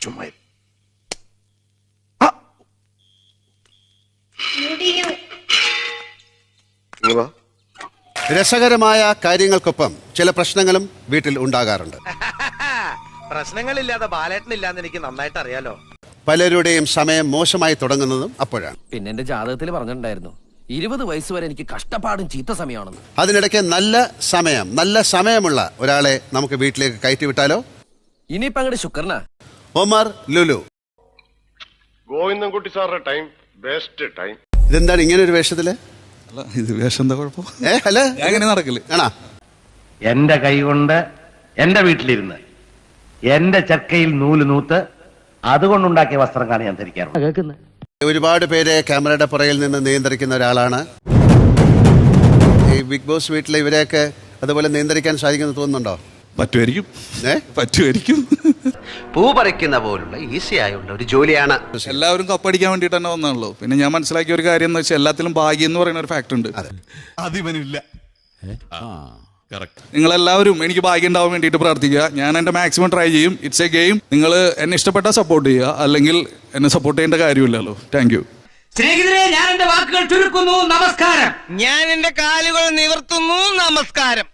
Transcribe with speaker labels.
Speaker 1: ചുമ്മാ
Speaker 2: രസകരമായ കാര്യങ്ങൾക്കൊപ്പം ചില പ്രശ്നങ്ങളും വീട്ടിൽ ഉണ്ടാകാറുണ്ട്.
Speaker 3: പ്രശ്നങ്ങളില്ലാതെ ബാലേട്ടനില്ലാന്ന് എനിക്ക് നന്നായിട്ട് അറിയാലോ.
Speaker 2: പലരുടെയും സമയം മോശമായി തുടങ്ങുന്നതും അപ്പോഴാണ്.
Speaker 4: പിന്നെ എന്റെ ജാതകത്തിൽ പറഞ്ഞിട്ടുണ്ടായിരുന്നു 20 വയസ്സ് വരെ എനിക്ക് കഷ്ടപ്പാടും ചീത്ത സമയമാണെന്ന്.
Speaker 2: അതിനിടയ്ക്ക് നല്ല സമയമുള്ള ഒരാളെ നമുക്ക് വീട്ടിലേക്ക് കയറ്റി വിട്ടാലോ?
Speaker 4: ഇനിയിപ്പോ അങ്ങോട്ട് ശുക്രനാ.
Speaker 2: ഒമർ ലുലു.
Speaker 1: ഗോവിന്ദൻകുട്ടി സാറിന്റെ ടൈം ബെസ്റ്റ് ടൈം.
Speaker 2: ഇതെന്താണ് ഇങ്ങനെ ഒരു വേഷത്തില്?
Speaker 5: ഇത് വേഷം എന്താ കുഴപ്പം?
Speaker 2: അല്ല
Speaker 5: അങ്ങനെ നടക്കില്ല.
Speaker 2: ആണോ?
Speaker 6: എന്റെ കൈ കൊണ്ട് എന്റെ വീട്ടിലിരുന്ന് എന്റെ ചക്കയിൽ നൂല് നൂത്ത് അതുകൊണ്ടുണ്ടാക്കിയ വസ്ത്രങ്ങളാണ് ഞാൻ ധരിക്കാറുള്ളത്.
Speaker 2: ഒരുപാട് പേരെ ക്യാമറയുടെ പുറകിൽ നിന്ന് നിയന്ത്രിക്കുന്ന ഒരാളാണ്. ഈ ബിഗ് ബോസ് വീട്ടിലെ ഇവരെയൊക്കെ അതുപോലെ നിയന്ത്രിക്കാൻ സാധിക്കുമെന്ന് തോന്നുന്നുണ്ടോ?
Speaker 5: പറ്റുമായിരിക്കും.
Speaker 7: പൂ പറിക്കുന്ന പോലുള്ള ഈസി ആയുള്ള ഒരു ജോലിയാണ്.
Speaker 5: എല്ലാവരും കപ്പടിക്കാൻ വേണ്ടിട്ട് തന്നെ വന്നാണല്ലോ. പിന്നെ ഞാൻ മനസ്സിലാക്കിയ ഒരു കാര്യം എന്ന് വെച്ചാൽ എല്ലാത്തിലും ഭാഗ്യം എന്ന് പറയുന്ന ഒരു ഫാക്ടർ ഉണ്ട്.
Speaker 8: അതിവനില്ല.
Speaker 5: നിങ്ങളെല്ലാവരും എനിക്ക് ഭാഗ്യം ഉണ്ടാവാൻ വേണ്ടിയിട്ട് പ്രാർത്ഥിക്കുക. ഞാൻ എന്റെ മാക്സിമം ട്രൈ ചെയ്യും. It's a game. നിങ്ങൾ എന്നെ ഇഷ്ടപ്പെട്ടാൽ സപ്പോർട്ട് ചെയ്യുക, അല്ലെങ്കിൽ എന്നെ സപ്പോർട്ട് ചെയ്യേണ്ട കാര്യമില്ലല്ലോ. Thank you.
Speaker 6: സ്നേഹിതരെ, ഞാൻ എന്റെ വാക്കുകൾ ചുരുക്കുന്നു. നമസ്കാരം.
Speaker 3: ഞാൻ എന്റെ കാലുകൾ നിവർത്തുന്നു. നമസ്കാരം.